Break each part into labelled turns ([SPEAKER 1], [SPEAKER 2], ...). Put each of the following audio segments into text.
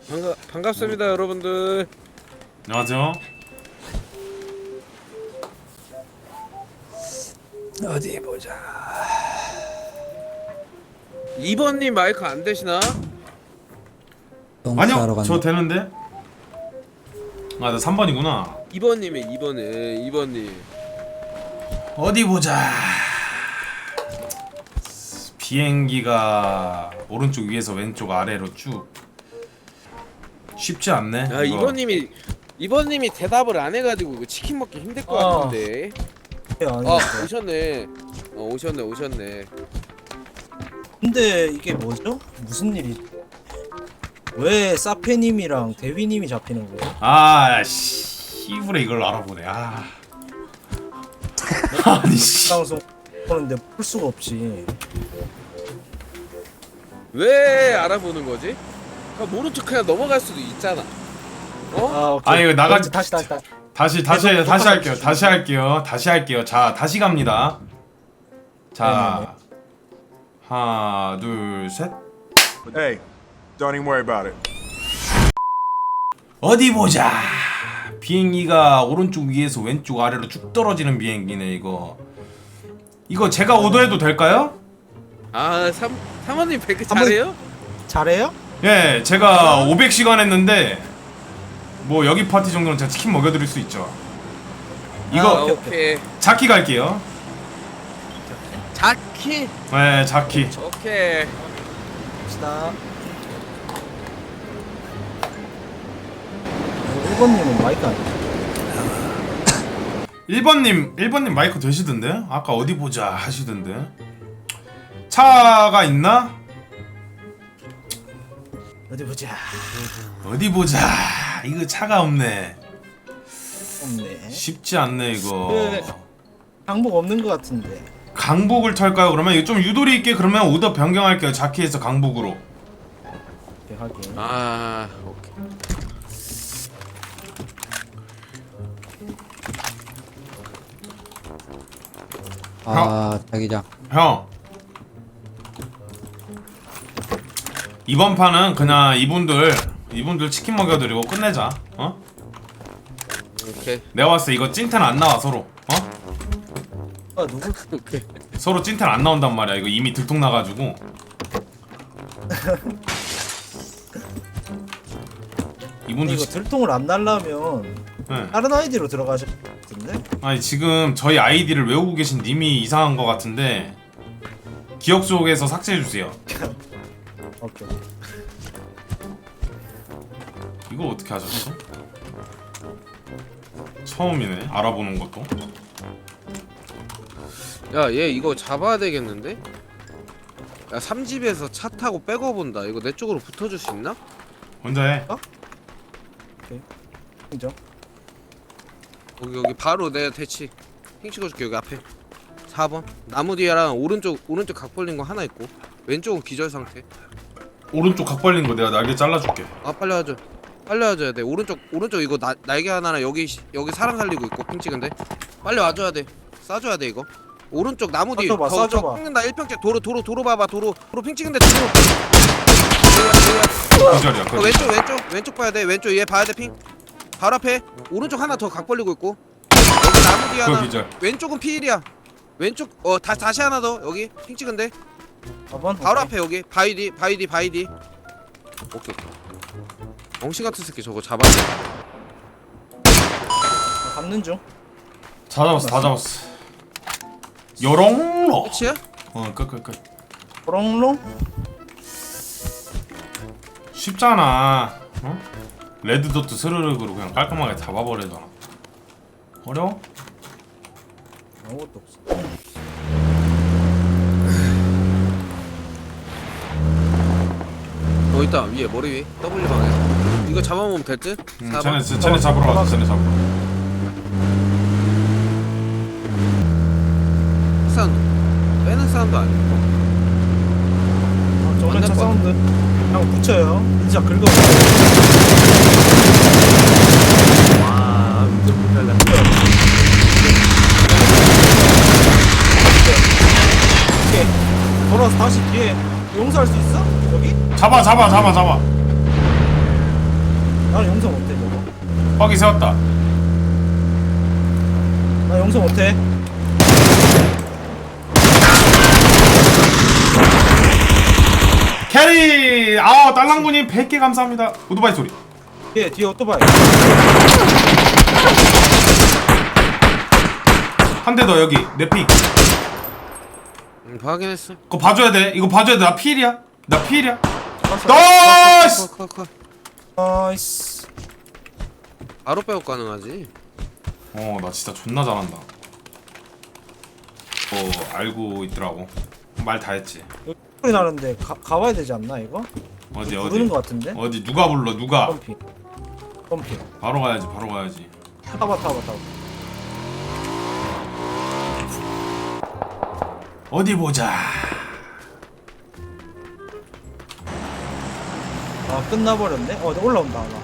[SPEAKER 1] 반갑습니다 여러분들.
[SPEAKER 2] 안녕하세요.
[SPEAKER 1] 어디 보자. 2번님 마이크 안 되시나?
[SPEAKER 2] 아니요, 저 되는데. 아, 나 3번이구나.
[SPEAKER 1] 2번님이 2번님.
[SPEAKER 2] 어디 보자. 비행기가 오른쪽 위에서 왼쪽 아래로 쭉. 쉽지 않네.
[SPEAKER 1] 야,
[SPEAKER 2] 이거.
[SPEAKER 1] 2번님이 대답을 안 해가지고 이거 치킨 먹기 힘들 것 같은데. 오셨네. 오셨네.
[SPEAKER 3] 근데 이게 뭐죠? 무슨 일이? 왜 사페님이랑 대위님이 잡히는 거예요?
[SPEAKER 2] 아, 씨부레 이걸 알아보네. 아. 아니 씨.
[SPEAKER 3] 방송 보는데 풀 수가 없지.
[SPEAKER 1] 왜 알아보는 거지? 그냥 모른 척 그냥 넘어갈 수도 있잖아. 어?
[SPEAKER 3] 오케이.
[SPEAKER 2] 아, 이거 나가.
[SPEAKER 3] 다시.
[SPEAKER 2] 다시 할게요. 다시 할게요. 자, 다시 갑니다. 자, 하나, 둘, 셋.
[SPEAKER 4] Hey, don't even worry about it.
[SPEAKER 2] 어디 보자. 비행기가 오른쪽 위에서 왼쪽 아래로 쭉 떨어지는 비행기네 이거. 이거 제가 오더해도 될까요?
[SPEAKER 1] 아, 사모님 배그 잘해요?
[SPEAKER 3] 잘해요?
[SPEAKER 2] 예, 제가 500시간 했는데 뭐 여기 파티 정도는 제가 치킨 먹여드릴 수 있죠. 이거
[SPEAKER 1] 오케이.
[SPEAKER 2] 자키 갈게요.
[SPEAKER 1] 자키.
[SPEAKER 2] 네, 자키.
[SPEAKER 1] 오케이.
[SPEAKER 3] 갑시다. 1번님은 마이크 아니죠?
[SPEAKER 2] 1번님 마이크 되시던데? 아까 어디 보자 하시던데. 차가 있나?
[SPEAKER 3] 어디 보자.
[SPEAKER 2] 어디 보자. 이거 차가 없네.
[SPEAKER 3] 없네.
[SPEAKER 2] 쉽지 않네 이거.
[SPEAKER 3] 네. 항복 없는 것 같은데.
[SPEAKER 2] 강북을 털까요? 그러면 이거 좀 유도리 있게 그러면 오더 변경할게요. 자키에서 강북으로.
[SPEAKER 3] 오케이, 확인.
[SPEAKER 1] 아, 오케이.
[SPEAKER 5] 자기장.
[SPEAKER 2] 형. 이번 판은 그냥 이분들 치킨 먹여드리고 끝내자. 어?
[SPEAKER 1] 오케이.
[SPEAKER 2] 내가 봤을 때 이거 찐텐 안 나와 서로. 어?
[SPEAKER 3] 누구?
[SPEAKER 1] 오케이.
[SPEAKER 2] 서로 찐텐 안 나온단 말이야. 이거 이미 들통 나가지고. 이분들
[SPEAKER 3] 이거 들통을 안 날라면
[SPEAKER 2] 네.
[SPEAKER 3] 다른 아이디로 들어가실 것 같은데?
[SPEAKER 2] 아니 지금 저희 아이디를 외우고 계신 님이 이상한 것 같은데 기억 속에서 삭제해 주세요.
[SPEAKER 3] 오케이.
[SPEAKER 2] 이걸 어떻게 하셨어? 처음이네. 알아보는 것도.
[SPEAKER 1] 야, 얘 이거 잡아야 되겠는데? 야, 3집에서 차 타고 백업 본다. 이거 내 쪽으로 붙어줄 수 있나?
[SPEAKER 2] 혼자 해.
[SPEAKER 3] 인정.
[SPEAKER 1] 여기 바로 내가 대치 핑 찍어줄게. 여기 앞에 4번 나무 뒤에랑 오른쪽 각 벌린 거 하나 있고 왼쪽은 기절 상태.
[SPEAKER 2] 오른쪽 각 벌린 거 내가 날개 잘라줄게.
[SPEAKER 1] 아, 빨리 와줘야 돼. 오른쪽 이거 날개 하나랑 여기 사람 살리고 있고 핑 찍은데 빨리 와줘야 돼. 쏴줘야 돼 이거. 오른쪽 나무 뒤
[SPEAKER 3] 쏴줘봐.
[SPEAKER 1] 핑는다. 1평째 도로 봐봐. 도로 핑 찍은데 도로.
[SPEAKER 2] 기절이야.
[SPEAKER 1] 왼쪽 봐야 돼. 왼쪽 얘 봐야 돼. 핑 바로 앞에 오른쪽 하나 더 각 벌리고 있고 여기 나무 뒤 하나.
[SPEAKER 2] 기절.
[SPEAKER 1] 왼쪽은 피일이야. 왼쪽 다시 하나 더 여기 핑 찍은데
[SPEAKER 3] 4번?
[SPEAKER 1] 바로 앞에 여기 바이디. 오케이. 엉신 같은 새끼 저거 잡아야 돼.
[SPEAKER 3] 잡는 중.
[SPEAKER 2] 다 잡았어. 요롱로.
[SPEAKER 1] 끝이야?
[SPEAKER 2] 끝.
[SPEAKER 3] 호롱롱?
[SPEAKER 2] 쉽잖아. 어? 레드도트 스르륵으로 그냥 깔끔하게 잡아버리잖아. 어려워?
[SPEAKER 3] 아무것도 없어.
[SPEAKER 1] 있다. 위에 머리 위 W 방에 이거 잡아먹으면 될 듯?
[SPEAKER 2] 쟤네 잡으러 가자. 쟤네 잡으러.
[SPEAKER 1] 사운드 빼는 사운드 아니고
[SPEAKER 3] 정전차 사운드. 그냥 붙여요. 진짜 긁어.
[SPEAKER 1] 와 못 잘라.
[SPEAKER 3] 오케이. 돌아서 다시 뒤에 용서할 수 있어? 여기?
[SPEAKER 2] 잡아.
[SPEAKER 3] 나는 용서 못해 저거.
[SPEAKER 2] 뻑이 세웠다.
[SPEAKER 3] 나 용서 못해.
[SPEAKER 2] 캐리! 아, 딸랑구님 100개 감사합니다. 오토바이 소리.
[SPEAKER 3] 뒤에 오토바이.
[SPEAKER 2] 한 대 더 여기. 내 픽.
[SPEAKER 1] 확인했어.
[SPEAKER 2] 그거 봐줘야 돼. 이거 봐줘야 돼. 나 필이야. 나 필이야.
[SPEAKER 3] 알았어.
[SPEAKER 2] 나이스!
[SPEAKER 1] 컷.
[SPEAKER 3] 나이스.
[SPEAKER 1] 바로 빼고 가능하지.
[SPEAKER 2] 나 진짜 존나 잘한다. 알고 있더라고. 말 다 했지.
[SPEAKER 3] 여기 소리 나는데 가봐야 되지 않나 이거?
[SPEAKER 2] 어디
[SPEAKER 3] 부르는 거 같은데?
[SPEAKER 2] 어디 누가 불러 누가?
[SPEAKER 3] 펌핑.
[SPEAKER 2] 바로 가야지.
[SPEAKER 3] 타봐.
[SPEAKER 2] 어디 보자.
[SPEAKER 3] 아 끝나버렸네. 올라온다 아마.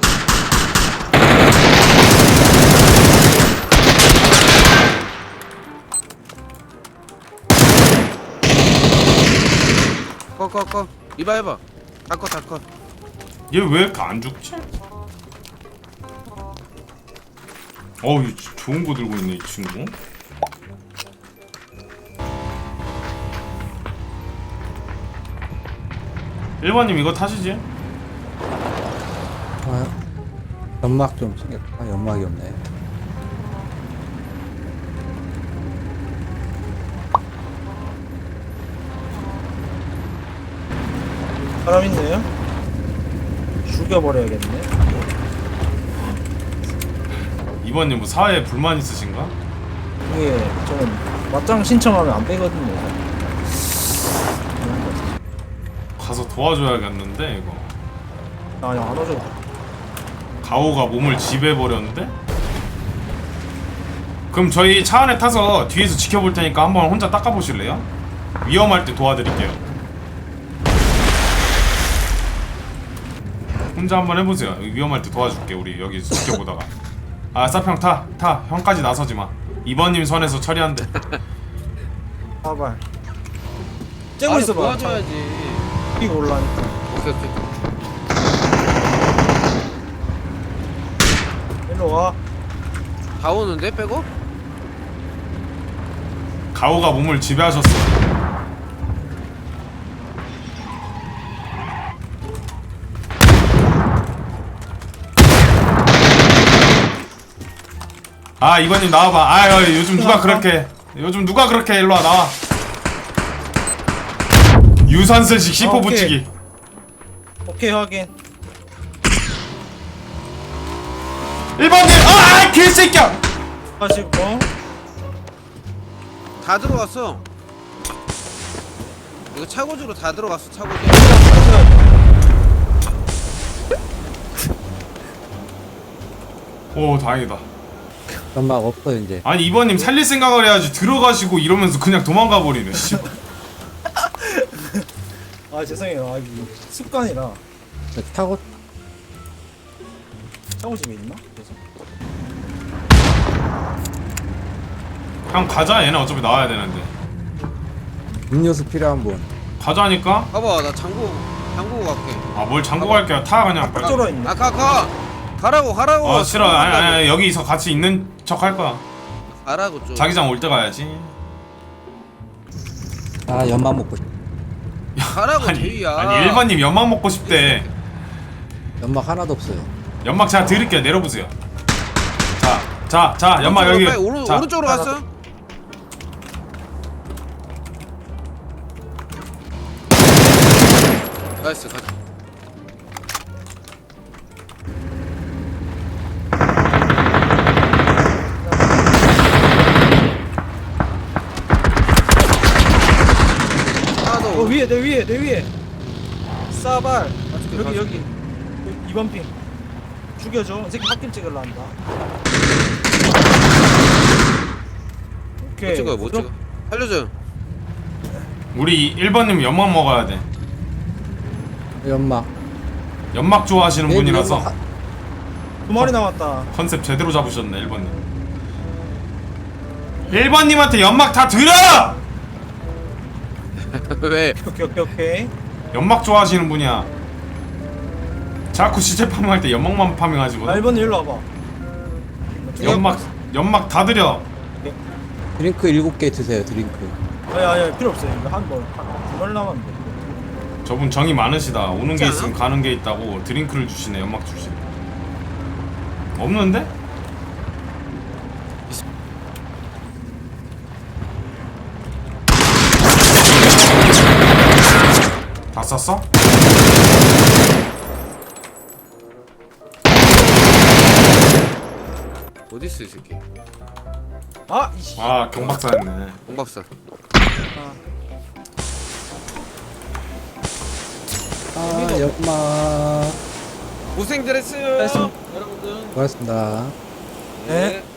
[SPEAKER 1] 컷. 이봐 해봐. 다 컷.
[SPEAKER 2] 얘 왜 이렇게 안 죽지? 이 좋은 거 들고 있네 이 친구. 일반님 이거 타시지?
[SPEAKER 5] 연막 좀 챙겼다. 연막이 없네.
[SPEAKER 3] 사람 있네요. 죽여버려야겠네.
[SPEAKER 2] 이번님 뭐 사회에 불만 있으신가?
[SPEAKER 3] 이게 저는 맞짱 신청하면 안 빼거든요.
[SPEAKER 2] 가서 도와줘야겠는데 이거.
[SPEAKER 3] 아니 안 와줘.
[SPEAKER 2] 가오가 몸을 지배해버렸는데? 그럼 저희 차 안에 타서 뒤에서 지켜볼 테니까 한번 혼자 닦아보실래요? 위험할 때 도와드릴게요. 혼자 한번 해보세요. 위험할 때 도와줄게. 우리 여기 지켜보다가. 아 사평 타 형까지 나서지마. 2번님 선에서 처리한대.
[SPEAKER 3] 봐봐. 째고 있어봐.
[SPEAKER 1] 도와줘야지.
[SPEAKER 3] 이거 올라니까.
[SPEAKER 1] 오케이.
[SPEAKER 3] 일로 와.
[SPEAKER 1] 다 오는데 빼고?
[SPEAKER 2] 가오가 몸을 지배하셨어. 아 이번님 나와봐. 요즘 누가 그렇게 일로와 나와. 유산슬식 C4
[SPEAKER 3] 오케이.
[SPEAKER 2] 붙이기.
[SPEAKER 3] 오케이 확인.
[SPEAKER 2] 1번님 개새끼야.
[SPEAKER 3] 하시고.
[SPEAKER 1] 다 들어갔어. 이거 차고지로 다 들어갔어. 차고지.
[SPEAKER 2] 오 다행이다.
[SPEAKER 5] 연막 없어 이제.
[SPEAKER 2] 아니 2번님 살릴 생각을 해야지. 들어가시고 이러면서 그냥 도망가 버리네. 씨.
[SPEAKER 3] 아 죄송해요. 아 이게 습관이라.
[SPEAKER 5] 타고
[SPEAKER 3] 차고집에 있나? 그래서.
[SPEAKER 2] 형 가자. 얘는 어차피 나와야 되는데.
[SPEAKER 5] 음료수 필요한 분.
[SPEAKER 2] 가자니까.
[SPEAKER 1] 봐봐 나 장구 갈게.
[SPEAKER 2] 아 뭘 잠고 갈게요. 타 그냥. 빨리.
[SPEAKER 3] 쫄아 있네.
[SPEAKER 1] 가라고.
[SPEAKER 2] 싫어. 아니 여기서 같이 있는 척 할 거야.
[SPEAKER 1] 가라고 좀.
[SPEAKER 2] 자기장 올 때 가야지.
[SPEAKER 5] 아 연막 먹고 싶.
[SPEAKER 1] 가라고
[SPEAKER 2] 아니
[SPEAKER 1] 제이야.
[SPEAKER 2] 1번님 연막 먹고 싶대.
[SPEAKER 5] 연막 하나도 없어요.
[SPEAKER 2] 연막 제가 드릴게요. 내려보세요. 자 연막 여기. 자,
[SPEAKER 1] 오른쪽으로 갔어. 나이스 가자. 하나 더.
[SPEAKER 3] 위에 내 위에. 싸발. 여기. 2번 핑. 죽여줘. 이 새끼 핫김 찍으려 한다. 오케이.
[SPEAKER 1] 못 찍어. 살려줘.
[SPEAKER 2] 우리 1번님 연막 먹어야 돼.
[SPEAKER 5] 연막.
[SPEAKER 2] 연막 좋아하시는
[SPEAKER 5] 내
[SPEAKER 2] 분이라서
[SPEAKER 5] 연막
[SPEAKER 3] 두 마리 남았다.
[SPEAKER 2] 컨셉 제대로 잡으셨네 1번님. 1번님한테 연막 다 들어!
[SPEAKER 1] 왜?
[SPEAKER 3] 오케이.
[SPEAKER 2] 연막 좋아하시는 분이야. 자꾸 시체 파밍할 때 연막만 파밍하시거든.
[SPEAKER 3] 아 1번님 일로 와봐.
[SPEAKER 2] 연막 다 드려.
[SPEAKER 5] 드링크 7개 드세요. 드링크.
[SPEAKER 3] 야야 필요 없어요. 이거 한번 남았는데.
[SPEAKER 2] 저분 정이 많으시다. 오는 게
[SPEAKER 1] 않아?
[SPEAKER 2] 있으면 가는 게 있다고 드링크를 주시네. 연막 주시네. 없는데? 다 썼어?
[SPEAKER 1] 어디 있어 이 새끼?
[SPEAKER 3] 아 이씨.
[SPEAKER 2] 아 경박사였네.
[SPEAKER 1] 공박사.
[SPEAKER 5] 아 연막.
[SPEAKER 1] 고생들 했어요.
[SPEAKER 3] 했습니다.
[SPEAKER 1] 여러분들.
[SPEAKER 5] 고맙습니다.
[SPEAKER 3] 네.